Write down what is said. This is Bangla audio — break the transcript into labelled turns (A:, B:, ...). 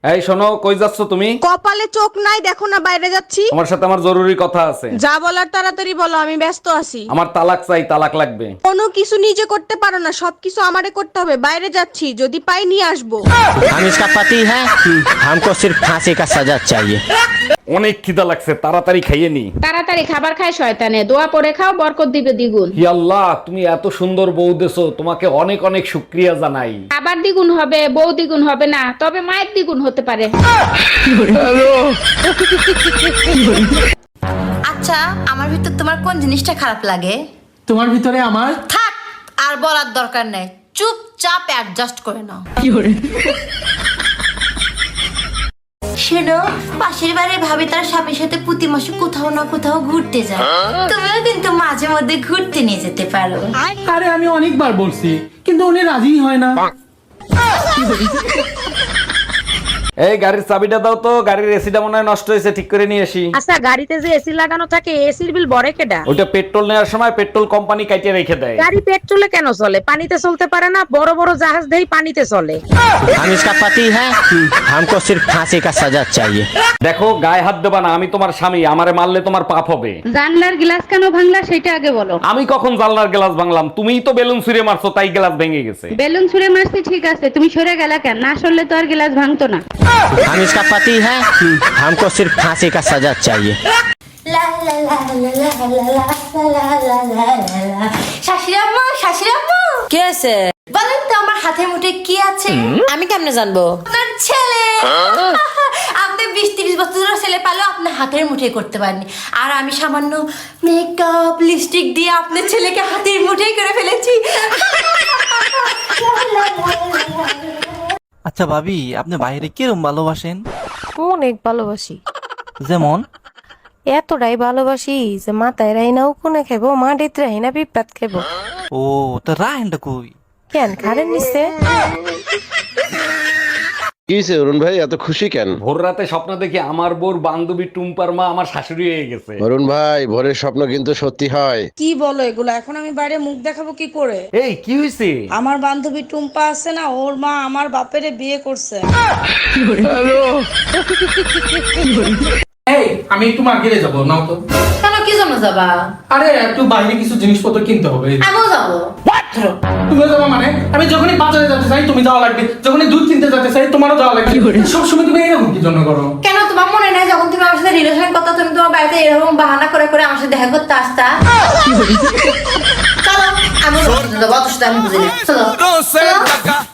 A: এই শোনো, কই যাচ্ছ তুমি?
B: কপালে চোখ নাই দেখো না বাইরে যাচ্ছি।
A: আমার সাথে আমার জরুরি কথা আছে।
B: যা বলার তাড়াতাড়ি বলো, আমি ব্যস্ত আছি।
A: আমার তালাক চাই, তালাক লাগবে।
B: কোনো কিছু নিজে করতে পারো না, সবকিছু আমারে করতে হবে। বাইরে যাচ্ছি, যদি পাই নিয়ে আসবো।
C: हम इसका पति है, हमको सिर्फ फांसी का सजा चाहिए।
A: অনেক খিদা লাগছে, তাড়াতাড়ি খাইয়ে নি।
D: তাড়াতাড়ি খাবার খায় শয়তানে, দোয়া পড়ে খাও, বরকত দিবে দ্বিগুণ।
A: হি আল্লাহ, তুমি এত সুন্দর বউ দেছো, তোমাকে অনেক অনেক শুকরিয়া জানাই।
D: খাবার দ্বিগুণ হবে, বউ দ্বিগুণ হবে না, তবে মায়ের দ্বিগুণ হতে পারে।
E: আচ্ছা, আমার ভিতর তোমার কোন জিনিসটা খারাপ লাগে?
F: তোমার ভিতরে আমার
E: থাক, আর বলার দরকার নেই, চুপচাপ অ্যাডজাস্ট করে নাও। শোনো, পাশের বাড়ির ভাবি তার স্বামীর সাথে প্রতি মাসে কোথাও না কোথাও ঘুরতে যায়। তুমিও কিন্তু মাঝে মধ্যে ঘুরতে নিয়ে যেতে পারো।
F: আরে আমি অনেকবার বলছি, কিন্তু উনি রাজি হয় না।
A: এই গাড়ির চাবিটা দাও তো, গাড়ির এসিটা মনে হয় নষ্ট হয়েছে, ঠিক করে নিয়ে আসি।
B: আচ্ছা, গাড়িতে যে এসি লাগানো থাকে, এসির বিল বড় কেডা?
A: ওইটা পেট্রোল নেওয়ার সময় পেট্রোল কোম্পানি কাটিয়ে রেখে দেয়।
B: গাড়ি পেট্রোলে কেন চলে? পানিতে চলতে পারে না? বড় বড় জাহাজ দেই পানিতে চলে।
C: हम इसका पति है, हमको सिर्फ फांसी का सजा चाहिए।
A: দেখো, গায়ে হাত দেবা না, আমি তোমার স্বামী, আমারে মারলে তোমার পাপ হবে।
D: জানলার গ্লাস কেন ভাঙলা সেটা আগে বলো।
A: আমি কখন জানলার গ্লাস ভাঙলাম? তুমিই তো বেলুন ছুঁড়ে মারছো, তাই গ্লাস ভেঙে গেছে।
D: বেলুন ছুঁড়ে মারছি ঠিক আছে, তুমি সরে গেলা কেন? না সরলে তো আর গ্লাস ভাঙতো না।
C: हम इसका पति है, हमको सिर्फ फांसी का सजा चाहिए।
E: শাশুড়াম্মা, শাশুড়াম্মা,
G: কে আছে?
E: বলেন তো আমার হাতের মুঠে কি আছে?
G: আমি কেমনে জানবো?
E: আপনার ছেলে। আপনি 20-30 বছরের ছেলে পালেও আপনার হাতের মুঠে করতে পারেনি, আর আমি সামান্য মেকআপ লিপস্টিক দিয়ে আপনার ছেলেকে হাতের মুঠেই করে ফেলেছি।
H: আচ্ছা ভাবি, আপনি বাইরে কিরম ভালোবাসেন?
I: অনেক ভালোবাসি,
H: যেমন
I: এতটাই ভালোবাসি যে মাথায় রাইনাও কোনে খাইবো, মাটিতে রাইনা পিঁপড়াত খাইবো।
H: ও, তো রাহেনটা কই?
I: কেন খারেন নিচ্ছে?
J: কি হইছে অরুণ ভাই, এত খুশি কেন?
A: ভোর রাতে স্বপ্ন দেখি আমার বোর বান্ধবী টুম্পার মা আমার শাশুড়ি হয়ে গেছে।
J: অরুণ ভাই, ভোরের স্বপ্ন কিন্তু সত্যি হয়।
B: কি বলো এগুলো? এখন আমি বাইরে মুখ দেখাবো কি করে?
A: এই কি হয়েছে?
B: আমার বান্ধবী টুম্পা আছে না, ওর মা আমার বাপেরে বিয়ে করছে।
F: এই, আমি একটু মার্কেটে যাবো, নাও তো।
E: কেন, কি জন্য যাবা?
F: আরে একটু বাইরে কিছু জিনিসপত্র কিনতে হবে।
E: আমিও যাবো। ধরো।
F: তুমিও যাবো মানে? আমি যখনই বাজারে যেতে চাই তুমি যাওয়া লাগবে, যখনই দুধ কিনতে যেতে চাই তোমারও যাওয়া লাগবে। সবসময় তুমি এরকম কি জন্য করো?
E: কেন, তোমার মনে নাই যখন তুমি আমার সাথে রিলেশন করতে, তুমি তোমার বাড়িতে এরকম বাহানা করে করে আমার সাথে দেখা করতে আসতা? চলো, আমি অত সাথে আমি বুঝি না। চলো, চলো।